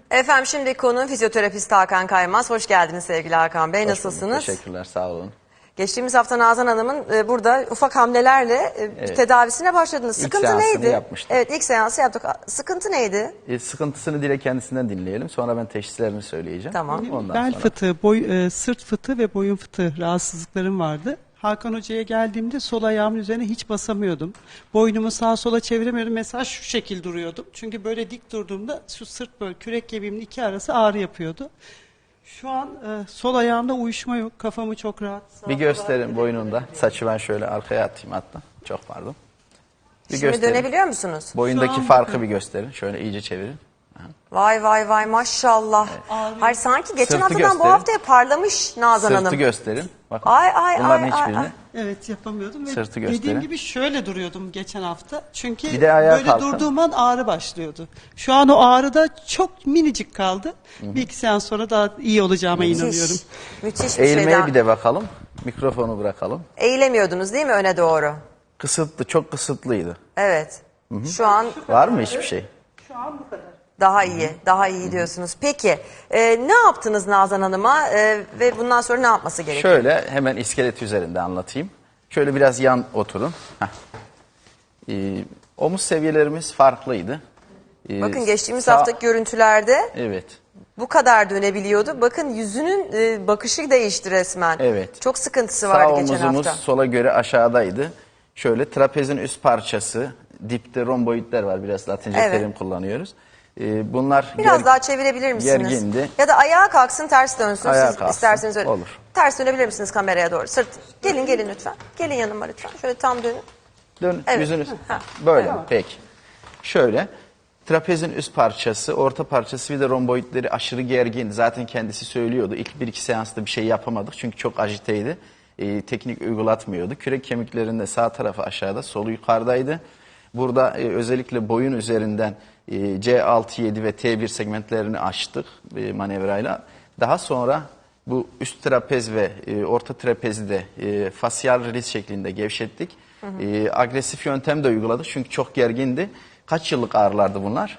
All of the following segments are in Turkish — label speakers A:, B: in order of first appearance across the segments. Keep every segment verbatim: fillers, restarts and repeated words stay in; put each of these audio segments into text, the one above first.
A: Efendim şimdi konuğum fizyoterapist Hakan Kaymaz. Hoş geldiniz sevgili Hakan Bey.
B: Hoş
A: Nasılsınız?
B: bulduk, teşekkürler, sağ olun.
A: Geçtiğimiz hafta Nazan Hanım'ın e, burada ufak hamlelerle e,
B: Evet.
A: tedavisine başladınız.
B: İlk
A: Sıkıntı
B: seansını
A: neydi?
B: yapmıştık.
A: Evet, ilk seansı yaptık. Sıkıntı neydi?
B: E, sıkıntısını direkt kendisinden dinleyelim. Sonra ben teşhislerini söyleyeceğim.
A: Tamam.
B: Ondan
C: Bel
B: sonra.
C: fıtığı, boy, e, sırt fıtığı ve boyun fıtığı rahatsızlıklarım vardı. Hakan Hoca'ya geldiğimde sol ayağımın üzerine hiç basamıyordum. Boynumu sağa sola çeviremiyordum. Mesela şu şekil duruyordum. Çünkü böyle dik durduğumda şu sırt böyle kürek kemiğimin iki arası ağrı yapıyordu. Şu an e, sol ayağımda uyuşma yok. Kafamı çok rahat. sağa
B: Bir
C: sola
B: gösterin
C: hareket
B: boynunda. Saçı ben şöyle arkaya atayım hatta. Çok pardon. Bir
A: Şimdi
B: gösterin.
A: dönebiliyor musunuz?
B: Boyundaki
C: Şu an
B: farkı
C: bakın.
B: bir gösterin. Şöyle iyice çevirin.
A: Vay vay vay maşallah. Hayır sanki geçen
B: Sırtı
A: haftadan bu
B: gösterin.
A: haftaya parlamış Nazan
B: Sırtı
A: Hanım.
B: gösterin. Bakın.
A: Ay, ay,
B: Bunların
A: ay, ay,
B: hiçbirini.
A: ay.
C: Evet yapamıyordum ve
B: Sırtı
C: dediğim
B: gösterin.
C: gibi şöyle duruyordum geçen hafta. Çünkü
B: Bir de ayağa
C: böyle
B: kalkın.
C: durduğum an ağrı başlıyordu. Şu an o ağrı da çok minicik kaldı. Bir iki seans sonra daha iyi olacağıma inanıyorum.
A: Müthiş, müthiş bir
B: Eğilmeye
A: şeyden.
B: bir de bakalım. Mikrofonu bırakalım.
A: Eğilemiyordunuz değil mi öne doğru?
B: Kısıtlı, çok kısıtlıydı.
A: Evet. Şu an
B: Var mı hiçbir şey?
C: Şu an bu kadar.
A: daha iyi, daha iyi diyorsunuz. Peki e, ne yaptınız Nazan Hanım'a e, ve bundan sonra ne yapması gerekiyor?
B: Şöyle hemen iskelet üzerinde anlatayım. Şöyle biraz yan oturun. Heh. Ee, omuz seviyelerimiz farklıydı. Ee,
A: Bakın geçtiğimiz
B: sağ-
A: haftaki görüntülerde
B: Evet.
A: bu kadar dönebiliyordu. Bakın yüzünün e, bakışı değişti resmen.
B: Evet.
A: Çok sıkıntısı
B: Sağ
A: vardı geçen
B: omuzumuz
A: hafta.
B: sola göre aşağıdaydı. Şöyle trapezin üst parçası, dipte romboidler var. Biraz Latince
A: Evet.
B: terim kullanıyoruz. Ee, bunlar
A: Biraz
B: ger-
A: daha çevirebilir misiniz?
B: gergindi.
A: Ya da ayağa kalksın ters dönsün.
B: Ayağa
A: Siz
B: kalksın,
A: isterseniz öyle.
B: olur.
A: Ters dönebilir misiniz kameraya doğru? Sırt. Gelin gelin lütfen. Gelin yanıma lütfen. Şöyle tam dönün.
B: Dön
A: Evet.
B: yüzünüz.
A: Ha.
B: Böyle peki. Şöyle trapezin üst parçası, orta parçası bir de romboidleri aşırı gergin. Zaten kendisi söylüyordu. İlk bir iki seansta bir şey yapamadık çünkü çok ajiteydi. Ee, teknik uygulatmıyordu. Kürek kemiklerinde sağ tarafı aşağıda, solu yukarıdaydı. Burada e, özellikle boyun üzerinden e, C altı yedi ve T bir segmentlerini açtık e, manevrayla. Daha sonra bu üst trapez ve e, orta trapezi de e, fasyal release şeklinde gevşettik. E, agresif yöntem de uyguladık çünkü çok gergindi. Kaç yıllık ağrılardı bunlar?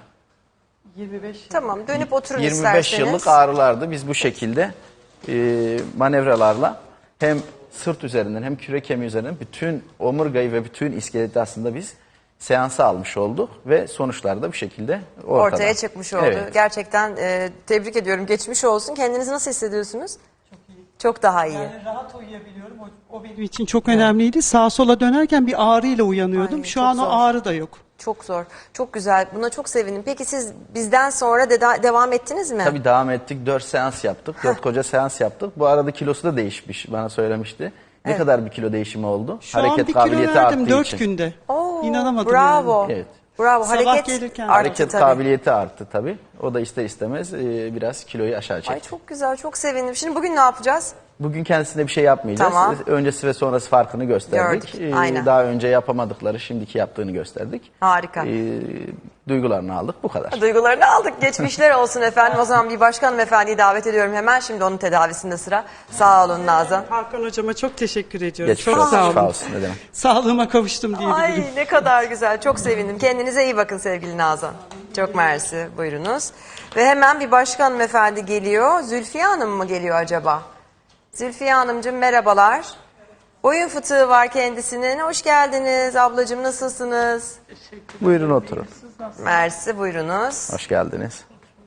C: yirmi beş.
A: Tamam dönüp oturun
B: yirmi
A: isterseniz.
B: beş yıllık ağrılardı. Biz bu şekilde e, manevralarla hem sırt üzerinden hem kürek kemiği üzerinden bütün omurgayı ve bütün iskeleti aslında biz seansa almış olduk ve sonuçlar da bu şekilde ortada.
A: Ortaya çıkmış oldu.
B: Evet.
A: Gerçekten e, tebrik ediyorum. Geçmiş olsun. Kendinizi nasıl hissediyorsunuz?
C: Çok iyi.
A: Çok daha iyi.
C: Yani rahat uyuyabiliyorum. O, o benim için çok önemliydi. Sağa sola dönerken bir ağrıyla uyanıyordum.
A: Ay,
C: Şu
A: çok
C: an
A: zor.
C: o ağrı da yok.
A: Çok zor. Çok güzel. Buna çok sevindim. Peki siz bizden sonra de devam ettiniz mi?
B: Tabii devam ettik. Dört seans yaptık. Dört koca seans yaptık. Bu arada kilosu da değişmiş. Bana söylemişti. Ne kadar bir kilo değişimi oldu?
C: Şu an bir kilo verdim dört günde.
A: Oo,
C: İnanamadım
A: bravo.
C: yani.
B: Evet.
A: Bravo.
C: Sabah
A: Hareket
C: gelirken-
A: arttı
B: Hareket
A: tabii.
B: kabiliyeti arttı tabii. O da ister istemez e, biraz kiloyu aşağı çekti.
A: Ay çok güzel. Çok sevindim. Şimdi bugün ne yapacağız?
B: Bugün kendisine bir şey yapmayacağız.
A: Tamam.
B: Öncesi ve sonrası farkını gösterdik.
A: Gördük,
B: Ee,
A: aynen.
B: Daha önce yapamadıkları şimdiki yaptığını gösterdik.
A: Harika.
B: Ee, duygularını aldık bu kadar.
A: Duygularını aldık. Geçmişler olsun efendim. O zaman bir başkan hanımefendiyi davet ediyorum hemen. Şimdi onun tedavisinde sıra. Sağ olun Nazan.
C: Hakan hocama çok teşekkür ediyorum.
B: Geçmiş
C: çok
B: olsun.
C: sağ
B: Şifa
C: olun.
B: olsun ne demek.
C: Sağlığıma kavuştum diyebilirim.
A: Ay ne kadar güzel. Çok sevindim. Kendinize iyi bakın sevgili Nazan. Çok mersi. Buyurunuz. Ve hemen bir başkan hanımefendi geliyor. Zülfiye Hanım mı geliyor acaba? Zülfiye Hanımcığım merhabalar. Boyun fıtığı var kendisinin. Hoş geldiniz ablacığım. Nasılsınız?
B: Buyurun oturun.
A: Mersi buyurunuz.
B: Hoş geldiniz.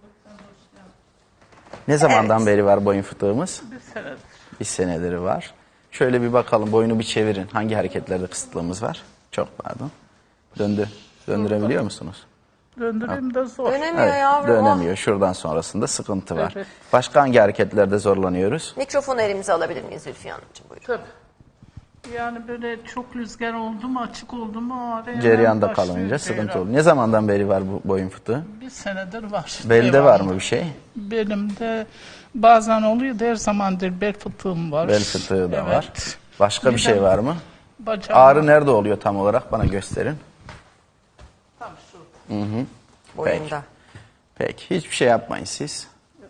B: Ne zamandan
A: Evet.
B: beri var boyun fıtığımız?
D: Bir senedir.
B: Bir seneleri var. Şöyle bir bakalım boynu bir çevirin. Hangi hareketlerde kısıtlığımız var? Çok pardon. Döndü. Döndürebiliyor musunuz?
D: Döndüreyim de zor.
A: Dönemiyor
B: Evet,
A: yavrum.
B: dönemiyor. Şuradan sonrasında sıkıntı var.
D: Evet.
B: Başka hangi hareketlerde zorlanıyoruz?
A: Mikrofonu elimize alabilir miyiz Zülfiye Hanımcığım? Buyurun.
D: Tabii. Yani böyle çok rüzgar oldu mu, açık oldu mu ağrı hemen
B: Cereyanda
D: başlıyor
B: kalınca
D: cereyan.
B: sıkıntı olur. Ne zamandan beri var bu boyun fıtığı?
D: Bir senedir var.
B: Belde
D: Devamlı.
B: var mı bir şey?
D: Belimde bazen oluyor da her zamandır bel fıtığım var.
B: Bel fıtığı da
D: Evet.
B: var. Başka bir şey var mı?
D: Bacağım
B: Ağrı nerede oluyor tam olarak? Bana gösterin.
D: tam şu.
A: Boyunda.
B: Peki. Hiçbir şey yapmayın siz.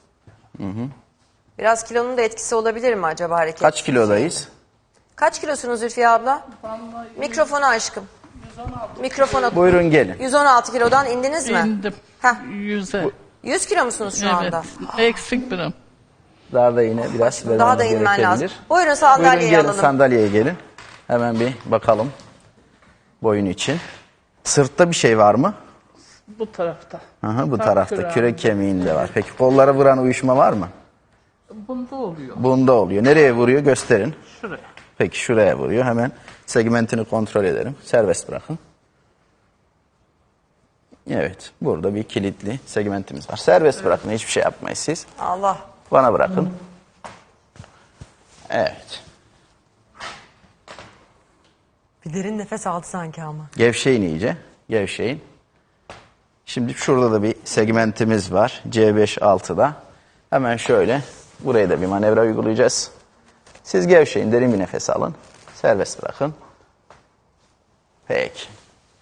A: Biraz kilonun da etkisi olabilir mi acaba hareket?
B: Kaç kilodayız?
A: Kaç kilosunuz Zülfiye abla?
D: Vallahi
A: Mikrofonu aşkım.
D: yüz on altı
A: Mikrofona.
B: Buyurun gelin.
A: yüz on altı kilodan indiniz mi?
D: indim.
A: Heh.
D: Yüze.
A: yüz kilo musunuz şu
D: Evet.
A: anda?
D: Eksik birim.
B: Daha da yine biraz
A: Daha
B: vermemiz
A: da inmen lazım.
B: gerekebilir.
A: Buyurun sandalyeyi
B: Buyurun gelin
A: alalım.
B: sandalyeye gelin. Hemen bir bakalım boyun için. Sırtta bir şey var mı?
D: Bu tarafta.
B: Aha, bu
D: Tam
B: tarafta
D: kürağında.
B: kürek kemiğinde var. Peki kollara vuran uyuşma var mı?
D: Bunda oluyor.
B: Bunda oluyor. Nereye vuruyor gösterin.
D: Şuraya.
B: Peki şuraya vuruyor. Hemen segmentini kontrol edelim. Serbest bırakın. Evet. Burada bir kilitli segmentimiz var. Serbest bırakın. Hiçbir şey yapmayın siz.
A: Allah.
B: Bana bırakın. Evet.
A: Bir derin nefes aldı sanki ama.
B: Gevşeyin iyice. Gevşeyin. Şimdi şurada da bir segmentimiz var. C beş altıda. Hemen şöyle buraya da bir manevra uygulayacağız. Siz gevşeyin. Derin bir nefes alın. Serbest bırakın. Peki.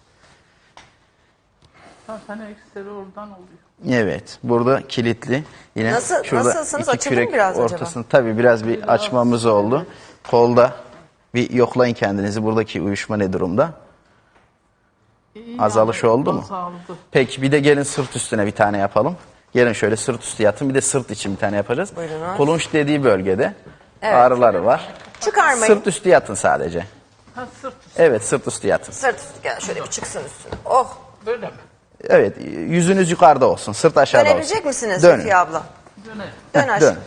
D: Zaten ekseri oradan oluyor.
B: Evet. Burada kilitli. Yine
A: Nasıl-
B: şurada
A: nasılsınız?
B: iki
A: Açıldı mı
B: kürek
A: biraz acaba?
B: ortasını. Tabii biraz bir açmamız oldu. Kolda bir yoklayın kendinizi. Buradaki uyuşma ne durumda?
D: İyi
B: Azalış
D: yani,
B: oldu mu?
D: Azaldı.
B: Peki bir de gelin sırt üstüne bir tane yapalım. Gelin şöyle sırt üstü yatın. Bir de sırt için bir tane yapacağız.
A: Buyurun.
B: Kulunç dediği bölgede
A: Evet.
B: ağrıları var.
A: Çıkarmayın.
B: Sırt üstü yatın sadece.
D: Ha sırt üstü.
B: Evet sırt üstü yatın.
A: Sırt üstü gel şöyle bir çıksın üstüne. Oh.
D: Böyle mi?
B: Evet yüzünüz yukarıda olsun. Sırt aşağıda olsun.
A: Dönebilecek misiniz
B: Dönün.
A: Zülfiye abla?
D: Döne.
A: Dön
B: Heh,
A: aşağı.
B: dön.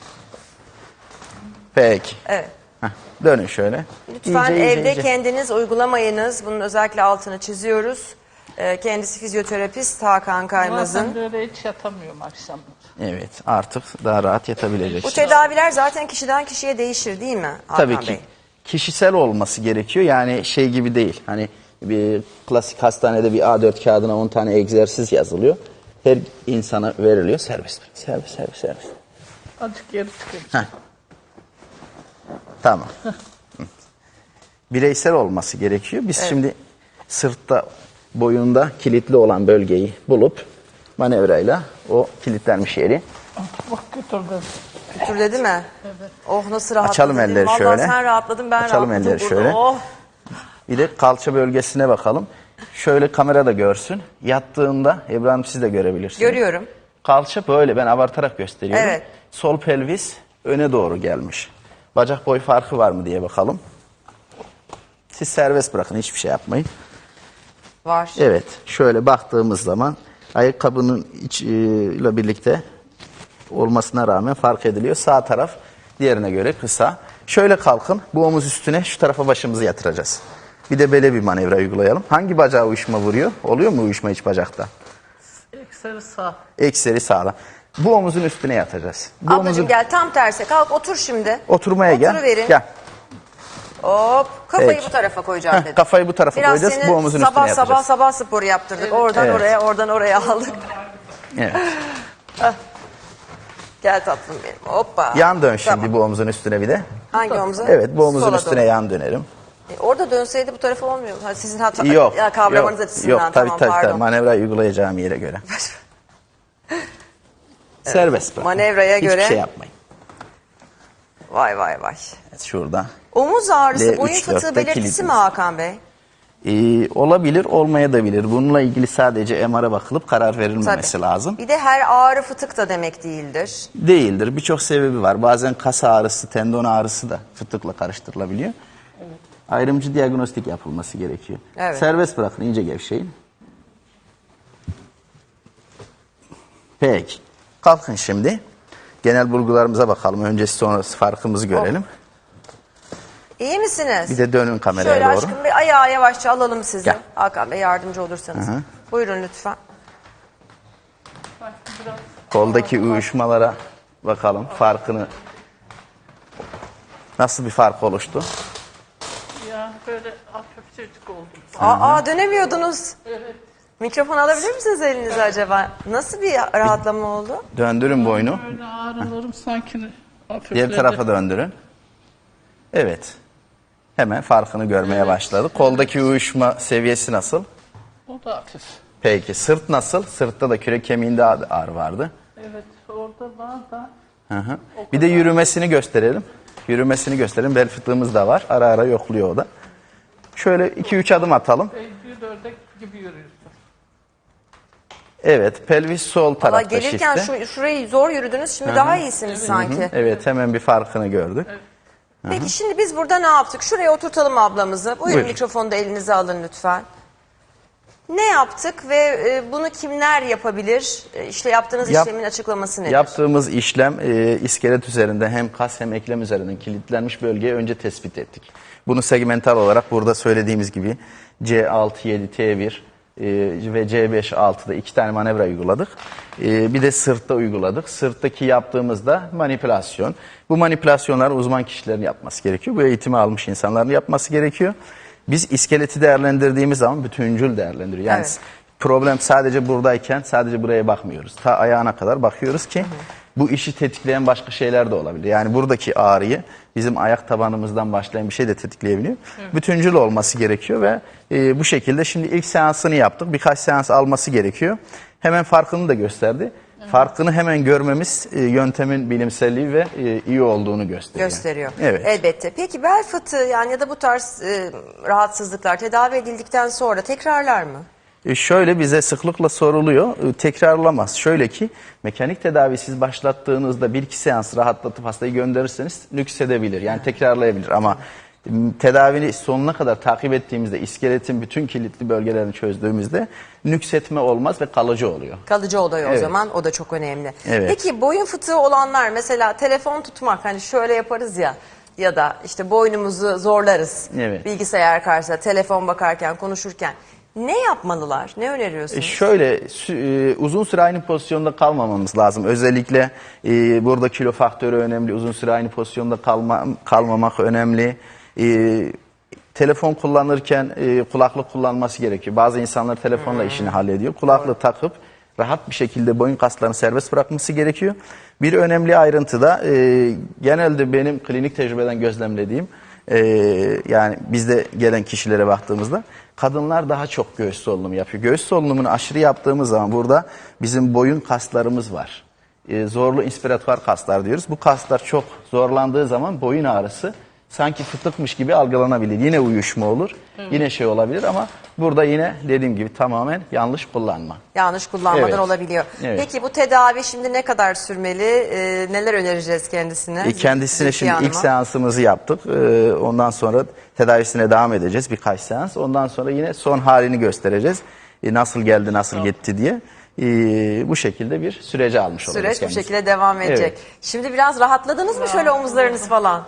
B: Peki.
A: Evet.
B: Heh, dönün şöyle.
A: Lütfen
B: İyice, iyice,
A: evde
B: iyice.
A: kendiniz uygulamayınız. Bunun özellikle altını çiziyoruz. Ee, kendisi fizyoterapist Hakan
D: Zaten
A: Kaymaz'ın.
D: böyle hiç yatamıyorum akşamları.
B: Evet artık daha rahat
A: Bu
B: yatabileceksiniz.
A: tedaviler zaten kişiden kişiye değişir değil mi Hakan
B: Tabii ki.
A: Bey?
B: Kişisel olması gerekiyor. Yani şey gibi değil. Hani bir klasik hastanede bir A dört kağıdına on tane egzersiz yazılıyor. Her insana veriliyor. Serbest bırak. Serbest, serbest, serbest.
D: Azıcık geri çıkayım.
B: Heh. Tamam. Hı. Bireysel olması gerekiyor. Biz şimdi sırtta, boyunda kilitli olan bölgeyi bulup manevrayla o kilitlenmiş yeri
D: Bak götürdüm.
A: Götür değil mi? Evet. Oh nasıl rahatladım.
B: Açalım elleri
A: Vallahi
B: şöyle.
A: sen rahatladın ben
B: Açalım
A: rahatladım.
B: elleri
A: burada.
B: şöyle.
A: Oh.
B: bir de kalça bölgesine bakalım. Şöyle kamera da görsün. Yattığında İbrahim siz de görebilirsiniz.
A: Görüyorum.
B: Kalça böyle ben abartarak gösteriyorum.
A: Evet.
B: Sol pelvis öne doğru gelmiş. Bacak boy farkı var mı diye bakalım. Siz serbest bırakın hiçbir şey yapmayın.
A: Var.
B: Evet şöyle baktığımız zaman ayakkabının içiyle birlikte olmasına rağmen fark ediliyor. Sağ taraf diğerine göre kısa. Şöyle kalkın bu omuz üstüne şu tarafa başımızı yatıracağız. Bir de böyle bir manevra uygulayalım. Hangi bacağa uyuşma vuruyor? Oluyor mu uyuşma iç bacakta?
D: Ekseri sağ.
B: Ekseri sağla. Bu omuzun üstüne yatacağız. Bu
A: Ablacığım
B: omuzun
A: gel tam tersi. Kalk otur şimdi.
B: oturmaya gel.
A: Oturuverin.
B: Gel.
A: Hop. Kafayı
B: Peki.
A: bu tarafa koyacağım
B: Heh,
A: dedim.
B: kafayı bu tarafa
A: Biraz
B: koyacağız.
A: seni
B: Bu omuzun
A: sabah
B: üstüne
A: sabah
B: yatacağız.
A: sabah sporu yaptırdık. Oradan
B: Evet.
A: oraya oradan oraya aldık.
B: Evet.
A: Gel tatlım benim. Hoppa.
B: Yan dön şimdi
A: Tamam.
B: bu omuzun üstüne bir de.
A: Hangi omuza?
B: Evet bu omuzun
A: Sola
B: üstüne
A: doğru.
B: yan dönelim.
A: E, orada dönseydi bu tarafa olmuyor. Ha, sizin hata
B: Yok.
A: ya, kavramanız
B: yok,
A: açısından
B: yok, tabii,
A: tamam
B: tabii,
A: pardon.
B: tabii. Manevra uygulayacağım yere göre. Serbest bırakın.
A: Manevraya
B: Hiçbir
A: göre-
B: şey yapmayın.
A: Vay vay vay.
B: Evet, şurada.
A: Omuz ağrısı,
B: L üç,
A: boyun fıtığı
B: dörtte
A: belirtisi
B: kilitli.
A: mi Hakan Bey?
B: Ee, olabilir, olmayabilir. Bununla ilgili sadece M R'a bakılıp karar verilmemesi
A: Tabii.
B: lazım.
A: Bir de her ağrı fıtık da demek değildir.
B: Değildir. Birçok sebebi var. Bazen kas ağrısı, tendon ağrısı da fıtıkla karıştırılabiliyor. Ayrımcı diagnostik yapılması gerekiyor.
A: Evet.
B: Serbest bırakın, iyice gevşeyin. Peki. Kalkın şimdi. Genel bulgularımıza bakalım. Öncesi sonrası farkımızı görelim.
A: İyi misiniz?
B: Bir de dönün kameraya
A: Şöyle
B: doğru.
A: aşkım bir ayağa yavaşça alalım sizi.
B: Gel.
A: Hakan Bey yardımcı olursanız.
B: Hı hı.
A: Buyurun lütfen.
D: Bak biraz
B: Koldaki uyuşmalara bakalım. Farkını nasıl bir fark oluştu?
D: ya böyle hafifçecik oldum.
A: Aa, aa, dönemiyordunuz.
D: Evet.
A: Mikrofon alabilir misiniz elinize acaba? Nasıl bir rahatlama oldu?
B: Döndürün boynu.
D: Böyle ağrılarım sanki hafifledi.
B: Diğer tarafa döndürün. Evet. Hemen farkını görmeye başladık. Koldaki uyuşma seviyesi nasıl?
D: O da hafif.
B: Peki sırt nasıl? Sırtta da kürek kemiğinde ağrı vardı.
D: Evet orada var da
B: Hı hı. Bir de yürümesini gösterelim. Yürümesini gösterelim. Bel fıtığımız da var. Ara ara yokluyor o da. Şöyle iki üç adım atalım.
D: bir ördek gibi yürüyorsun.
B: Evet, pelvis sol
A: Valla
B: tarafta
A: gelirken
B: şifte.
A: şu, şurayı zor yürüdünüz, şimdi daha iyisiniz sanki.
B: Evet, hemen bir farkını gördük.
A: Peki şimdi biz burada ne yaptık? Şuraya oturtalım ablamızı. Buyurun,
B: Buyurun.
A: mikrofonu da elinize alın lütfen. Ne yaptık ve e, bunu kimler yapabilir? E, işte yaptığınız
B: Yap-
A: işlemin açıklaması nedir?
B: Yaptığımız işlem e, iskelet üzerinde hem kas hem eklem üzerinden kilitlenmiş bölgeyi önce tespit ettik. Bunu segmental olarak burada söylediğimiz gibi C altı yedi T bir e, ve C beş altıda iki tane manevra uyguladık. E, bir de sırtta uyguladık. Sırttaki yaptığımızda manipülasyon. Bu manipülasyonları uzman kişilerin yapması gerekiyor. Bu eğitimi almış insanların yapması gerekiyor. Biz iskeleti değerlendirdiğimiz zaman bütüncül değerlendiriyor. Yani
A: Evet.
B: problem sadece buradayken sadece buraya bakmıyoruz. Ta ayağına kadar bakıyoruz ki bu işi tetikleyen başka şeyler de olabilir. Yani buradaki ağrıyı bizim ayak tabanımızdan başlayan bir şey de tetikleyebiliyor. Bütüncül olması gerekiyor ve e, bu şekilde şimdi ilk seansını yaptık. Birkaç seans alması gerekiyor. Hemen farkını da gösterdi. Farkını hemen görmemiz e, yöntemin bilimselliği ve e, iyi olduğunu gösteriyor.
A: Gösteriyor.
B: Evet.
A: Elbette. Peki bel fıtığı yani ya da bu tarz e, rahatsızlıklar tedavi edildikten sonra tekrarlar mı?
B: E şöyle bize sıklıkla soruluyor, e, tekrarlamaz. Şöyle ki mekanik tedavi siz başlattığınızda bir iki seans rahatlatıp hastayı gönderirseniz nüksedebilir. Yani tekrarlayabilir ama m, tedavini sonuna kadar takip ettiğimizde iskeletin bütün kilitli bölgelerini çözdüğümüzde nüksetme olmaz ve kalıcı oluyor.
A: Kalıcı oluyor o
B: Evet.
A: zaman, o da çok önemli.
B: Evet.
A: Peki boyun fıtığı olanlar mesela telefon tutmak, hani şöyle yaparız ya ya da işte boynumuzu zorlarız
B: Evet.
A: bilgisayar karşısında telefon bakarken, konuşurken. Ne yapmalılar? Ne öneriyorsunuz?
B: E şöyle sü- e, uzun süre aynı pozisyonda kalmamamız lazım. Özellikle e, burada kilo faktörü önemli. Uzun süre aynı pozisyonda kalma, kalmamak önemli. E, telefon kullanırken e, kulaklık kullanması gerekiyor. Bazı insanlar telefonla işini hallediyor. Kulaklığı takıp rahat bir şekilde boyun kaslarını serbest bırakması gerekiyor. Bir önemli ayrıntı da e, genelde benim klinik tecrübeden gözlemlediğim, e, yani bizde gelen kişilere baktığımızda kadınlar daha çok göğüs solunumu yapıyor. Göğüs solunumunu aşırı yaptığımız zaman burada bizim boyun kaslarımız var. E, zorlu inspiratuar kaslar diyoruz. Bu kaslar çok zorlandığı zaman boyun ağrısı sanki fıtıkmış gibi algılanabilir. Yine uyuşma olur, yine şey olabilir ama burada yine dediğim gibi tamamen yanlış kullanma.
A: Yanlış kullanmadan
B: Evet.
A: olabiliyor.
B: Evet.
A: Peki bu tedavi şimdi ne kadar sürmeli? Ee, neler önereceğiz kendisine?
B: E, Kendisine
A: Zülfiye
B: şimdi ilk
A: Hanım'a.
B: seansımızı yaptık. E, Ondan sonra tedavisine devam edeceğiz birkaç seans. Ondan sonra yine son halini göstereceğiz. E, Nasıl geldi, nasıl gitti diye. E, Bu şekilde bir sürece almış olacağız
A: Süreç bu
B: kendisini.
A: şekilde devam edecek.
B: Evet.
A: Şimdi biraz rahatladınız mı şöyle omuzlarınız falan?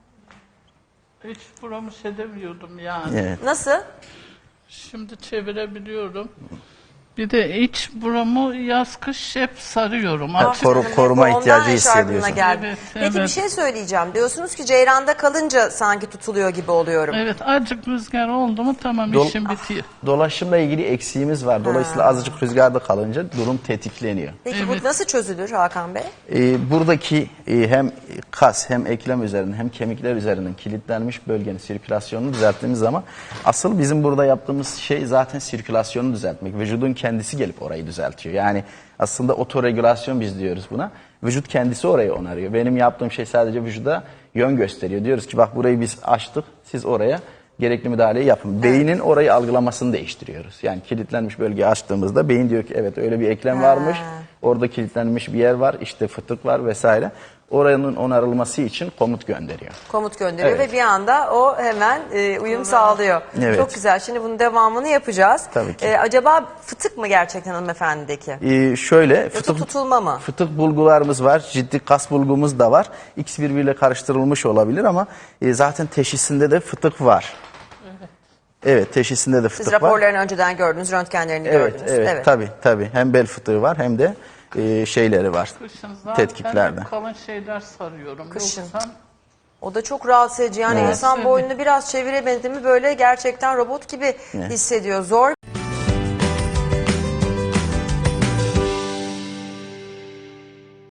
D: Hiç buramı edemiyordum yani.
B: Evet.
A: Nasıl?
D: Şimdi çevirebiliyorum. Bir de iç buramı yaz kış hep sarıyorum.
B: Ha,
D: Artık
B: koru-
A: Canım,
B: koruma
A: hep ondan
B: ihtiyacı
A: eşarbına
B: hissediyorsun.
A: geldi.
D: Evet,
A: Peki bir
D: evet.
A: şey söyleyeceğim. Diyorsunuz ki ceyranda kalınca sanki tutuluyor gibi oluyorum.
D: evet, azıcık rüzgar oldu mu tamam
B: Dol-
D: işim bitiyor.
B: Dolaşımla ilgili eksiğimiz var. Dolayısıyla azıcık rüzgarda kalınca durum tetikleniyor.
A: Peki
D: Evet.
A: bu nasıl çözülür Hakan Bey?
B: Ee, buradaki e, hem kas hem eklem üzerinden hem kemikler üzerinden kilitlenmiş bölgenin sirkülasyonunu düzelttiğimiz zaman asıl bizim burada yaptığımız şey zaten sirkülasyonu düzeltmek. Vücudun kendisi gelip orayı düzeltiyor. Yani aslında otoregülasyon biz diyoruz buna. Vücut kendisi orayı onarıyor. Benim yaptığım şey sadece vücuda yön gösteriyor. Diyoruz ki bak burayı biz açtık, siz oraya gerekli müdahaleyi yapın. Beynin orayı algılamasını değiştiriyoruz. Yani kilitlenmiş bölgeyi açtığımızda beyin diyor ki evet öyle bir eklem varmış. Orada kilitlenmiş bir yer var, işte fıtık var vesaire. Oranın onarılması için komut gönderiyor.
A: Komut gönderiyor
B: Evet.
A: ve bir anda o hemen e, uyum sağlıyor.
B: Evet.
A: Çok güzel. Şimdi bunun devamını yapacağız.
B: Tabii ki.
A: E, acaba fıtık mı gerçekten hanımefendideki?
B: Ee, şöyle
A: Yoksa
B: fıtık,
A: tutulma mı?
B: fıtık bulgularımız var, ciddi kas bulgumuz da var. İkisi birbiriyle karıştırılmış olabilir ama e, zaten teşhisinde de fıtık var. Evet, teşhisinde de
A: Siz
B: fıtık var.
A: raporlarını önceden gördünüz, röntgenlerini
B: Evet,
A: gördünüz.
B: evet, tabii tabii. Hem bel fıtığı var hem de e, şeyleri var.
D: Kışın zaten
B: Tetkiklerde.
D: hep kalın şeyler sarıyorum.
A: Kışın.
D: Yoksa
A: O da çok rahatsız edici. Yani
B: Evet.
A: insan boynunu biraz çeviremedi mi böyle gerçekten robot gibi hissediyor. Zor